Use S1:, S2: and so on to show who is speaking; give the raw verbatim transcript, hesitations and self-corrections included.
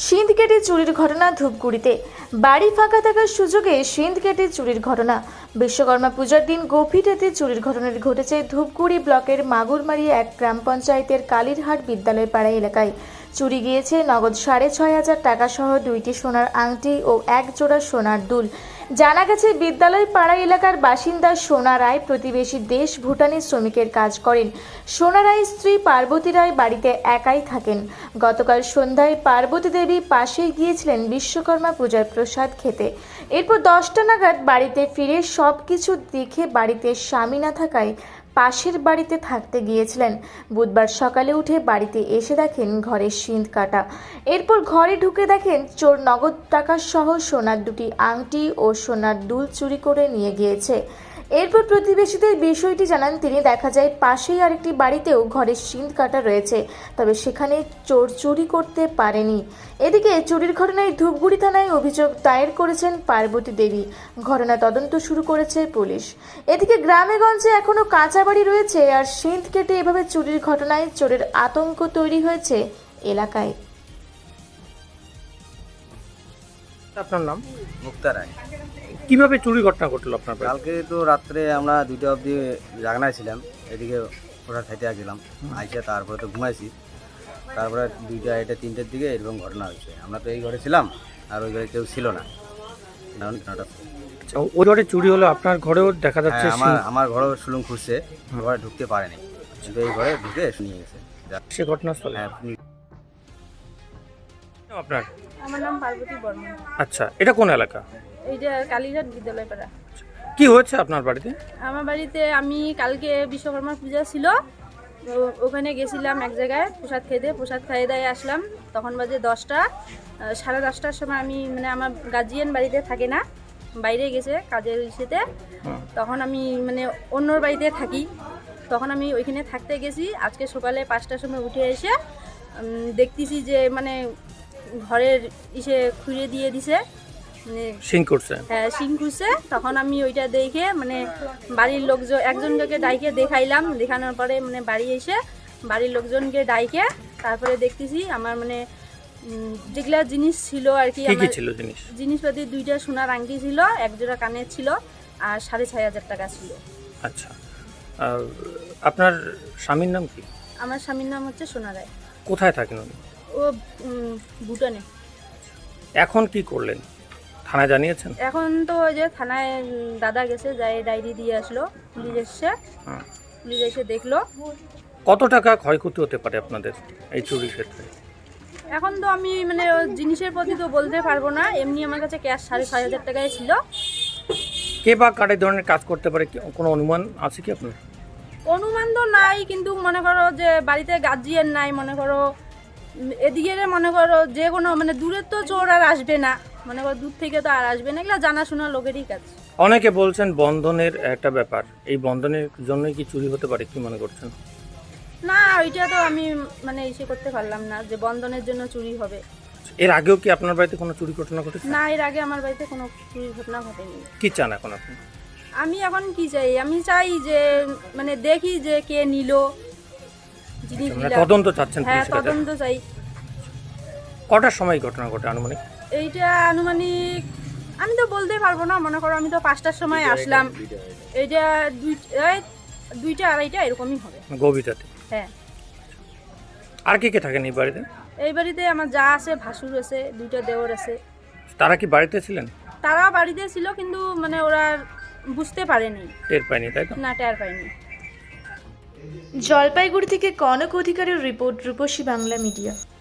S1: সিঁধ কেটে চুরির ঘটনা ধূপগুড়িতে। বাড়ি ফাঁকা থাকার সুযোগে সিঁধ কেটে চুরির ঘটনা। বিশ্বকর্মা পূজার দিন গভীর রাতে চুরির ঘটনাটি ঘটেছে ধূপগুড়ি ব্লকের মাগুরমারি এক গ্রাম পঞ্চায়েতের কালীরহাট বিদ্যালয় পাড়া এলাকায়। চুরি গিয়েছে নগদ সাড়ে ছয় হাজার টাকা সহ দুইটি সোনার আংটি ও এক জোড়া সোনার দুল। জানা গেছে, বিদ্যালয় পাড়া এলাকার বাসিন্দা সোনা রায় প্রতিবেশী দেশ ভুটানের শ্রমিকের কাজ করেন। সোনা রায়ের স্ত্রী পার্বতী রায় বাড়িতে একাই থাকেন। গতকাল সন্ধ্যায় পার্বতী দেবী পাশে গিয়েছিলেন বিশ্বকর্মা পূজার প্রসাদ খেতে। এরপর দশটা নাগাদ বাড়িতে ফিরে সব কিছু দেখে বাড়িতে স্বামী না থাকায় পাশের বাড়িতে থাকতে গিয়েছিলেন। বুধবার সকালে উঠে বাড়িতে এসে দেখেন ঘরের সিঁধ কাটা। এরপর ঘরে ঢুকে দেখেন চোর নগদ টাকা সহ সোনার দুটি আংটি ও সোনার দুল চুরি করে নিয়ে গিয়েছে। এরপর প্রতিবেশীদের বিষয়টি জানান তিনি। দেখা যায় পাশেই আরেকটি বাড়িতেও ঘরের সিঁধ কাটা রয়েছে, তবে সেখানে চোর চুরি করতে পারেনি। এদিকে চুরির ঘটনায় ধূপগুড়ি থানায় অভিযোগ দায়ের করেছেন পার্বতী দেবী। ঘটনা তদন্ত শুরু করেছে পুলিশ। এদিকে গ্রামে গঞ্জে এখনো কাঁচা বাড়ি রয়েছে, আর সিঁধ কেটে এভাবে চুরির ঘটনায় চোরের আতঙ্ক তৈরি হয়েছে এলাকায়।
S2: আপনার নাম?
S3: মুক্তা রায়।
S2: কিভাবে চুরি ঘটনা ঘটলো আপনার বাড়িতে?
S3: কালকে তো রাত্রে আমরা দুইটা অবধি জাগনায় ছিলাম, এদিকে ওরা খাইতে গেলাম, আইসা তারপরে তো ঘুমাইছি। তারপরে দুইটা এটা তিনটের দিকে এরকম ঘটনা হয়েছে। আমরা তো এই ঘরে ছিলাম, আর ওই ঘরে কেউ ছিল না।
S2: আচ্ছা, ওই ঘরে চুরি হলো, আপনার ঘরেও দেখা যাচ্ছে?
S3: আমার আমার ঘরেও সুলুম খুঁজছে, ঘরে ঢুকতে পারেনি, কিন্তু এই ঘরে ঢুকে নিয়ে গেছে
S2: সে ঘটনাস্থলে। আপনার?
S4: আমার নাম পার্বতী বর্মন।
S2: আচ্ছা, এটা কোন এলাকা?
S4: এইটা কালীঘাট বিদ্যালয় পাড়া।
S2: কি হয়েছে আপনার বাড়িতে?
S4: আমার বাড়িতে আমি কালকে বিশ্বকর্মা পূজা ছিল, ওখানে গেছিলাম এক জায়গায় প্রসাদ খেতে। প্রসাদ খাইয়ে দায়ে আসলাম, তখন বাজে দশটা। সাড়ে দশটার সময় আমি মানে আমার গার্জিয়ান বাড়িতে থাকে না, বাইরে গেছে কাজের ইসেতে। তখন আমি মানে অন্যর বাড়িতে থাকি, তখন আমি ওইখানে থাকতে গেছি। আজকে সকালে পাঁচটার সময় উঠে এসে দেখতেছি যে মানে ঘরের ইসে খুঁড়ে দিয়ে দিছে,
S2: সিং করছে।
S4: হ্যাঁ, সিং খুঁজছে। তখন আমি ওইটা দেখে মানে বাড়ির লোকজন একজনকে ডাইকে দেখাইলাম। দেখানোর পরে মানে বাড়ি এসে বাড়ির লোকজনকে ডাইকে তারপরে দেখতেছি আমার মানে যেগুলা জিনিস ছিল আর কি,
S2: কি ছিল জিনিস?
S4: জিনিসপাতি দুইটা সোনার আংটি ছিল, এক জোড়া কানের ছিল, আর সাড়ে ছয় হাজার টাকা ছিল।
S2: আচ্ছা, আপনার স্বামীর নাম কি?
S4: আমার স্বামীর নাম হচ্ছে সোনা রায়।
S2: কোথায় থাকেন উনি?
S4: ও ভুটানে।
S2: এখন কি করলেন? থানায় জানিয়েছেন?
S4: এখন তো ওই যে থানায় দাদা গেছে, যাই ডায়েরি দিয়ে আসলো, পুলিশ এসছে, পুলিশ এসে দেখলো।
S2: কত টাকা ক্ষয়ক্ষতি হতে পারে আপনাদের এই চুরির ক্ষেত্রে?
S4: এখন তো আমি মানে জিনিসের প্রতি তো বলতে পারবো না, এমনি আমার কাছে ক্যাশ সাড়ে ছয় হাজার টাকায় ছিল।
S2: কে বা কার এই ধরনের কাজ করতে পারে, কোনো অনুমান আছে কি আপনার?
S4: অনুমান তো নাই, কিন্তু মনে করো যে বাড়িতে গার্জিয়ান নাই, মনে করো এদিকে মনে করো যে কোনো মানে দূরের তো চোর আর আসবে না, মনে করো দূর থেকে তো আর আসবে না, এগুলো জানাশোনা লোকেরই কাজ।
S2: অনেকে বলছেন বন্ধনের একটা ব্যাপার, এই বন্ধনের জন্যই কি চুরি হতে পারে, কি মনে করছেন?
S4: না, ওইটা তো আমি মানে ইসে করতে পারলাম না যে বন্ধনের জন্য চুরি হবে।
S2: এর আগেও কি আপনার বাড়িতে কোনো চুরি ঘটনা ঘটেছে?
S4: না, এর আগে আমার বাড়িতে কোনো চুরির ঘটনা ঘটেনি।
S2: কি চান এখন আপনি?
S4: আমি এখন কি চাই? আমি চাই যে মানে দেখি যে কে নিল জিনিসগুলো,
S2: তদন্ত চাচ্ছেন?
S4: হ্যাঁ, তদন্ত চাই।
S2: কটার সময় ঘটনা ঘটে আনুমানিক?
S4: এইটা আনুমানিক আমি তো বলতে পারবো না, মনে করো আমি তো পাঁচটার সময় আসলাম, এইটা দুইটা আড়াইটা এরকমই হবে,
S2: গভীর রাতে।
S4: হ্যাঁ।
S2: আর কে কে থাকেন এই বাড়িতে?
S4: এই বাড়িতে আমার যা আছে, ভাসুর আছে, দুইটা দেওর আছে।
S2: তারা কি বাড়িতে ছিলেন?
S4: তারা বাড়িতে ছিল, কিন্তু মানে ওরা বুঝতে পারেনি,
S2: টের পায়নি, তাই তো?
S4: না, টের পায়নি।
S1: জলপাইগুড়ি থেকে কনক অধিকারের রিপোর্ট, রূপসী বাংলা মিডিয়া।